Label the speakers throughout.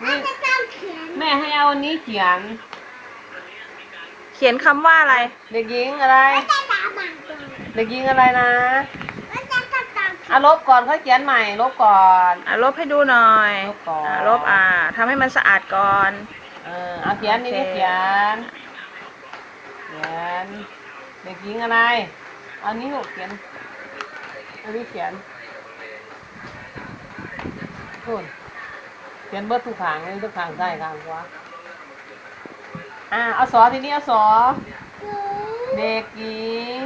Speaker 1: นี่แม่ให้เอาอันนี้เขียน
Speaker 2: คำว่าอะไร
Speaker 1: เด็กหญิงอะไรเด็กหญิงอะไรนะลบก่อนเขาเขียนใหม่ลบก่อน
Speaker 2: ลบให้ดูหน่อย
Speaker 1: ลบก่อน
Speaker 2: ลบทำให้มันสะอาดก่อน
Speaker 1: เอาเขียนนี่เขียนเด็กหญิงอะไรอันนี้ลูกเขียนอันนี้เขียนนู่นเขียนเบิดทุกขางเลยทุกขางใต้ขางขวาเอาสอทีนี้เอาสอเด็กหญิง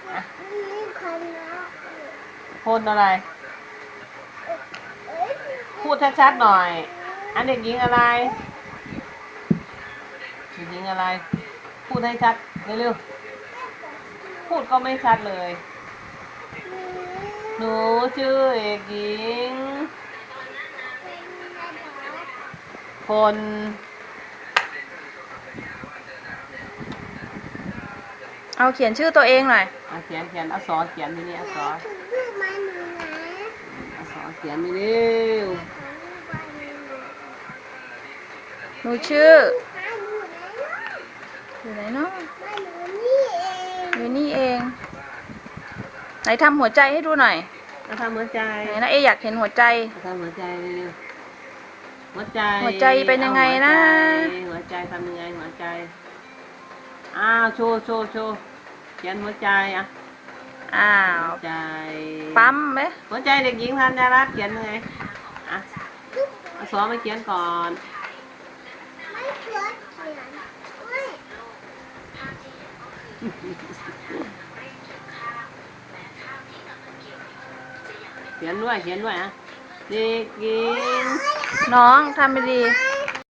Speaker 1: คนอะไรพูดชัดๆหน่อยอันเด็กหญิงอะไรเด็กหญิงอะไรพูดให้ชัดเร็วๆพูดก็ไม่ชัดเลยหนูชื่อเด็กหญิงคน
Speaker 2: เอาเขียนชื่อตัวเองหน่อย
Speaker 1: เขียนเอาสอเขียนทีนี้เอาสอเขียนนี่เร็ว
Speaker 2: หนูชื่ออยู่ไหนเนาะอยู่นี่เองไหนทำหัวใจให้ดูหน่อย
Speaker 1: ทำหัวใจ
Speaker 2: ไหนนะอยากเห็นหัวใจ
Speaker 1: ทำหัวใจเร็วหัวใจ
Speaker 2: เป็นยังไงนะ
Speaker 1: หัวใจทำยังไงหัวใจโชว์เขียนหัวใจหัวใจ
Speaker 2: ปั๊มไหม
Speaker 1: หัวใจเด็กหญิงธัญรัตน์เขียนยังไงเอาสอมาเขียนก่อนเขียนด้วยเด็กหญิง
Speaker 2: น้องทำไปดี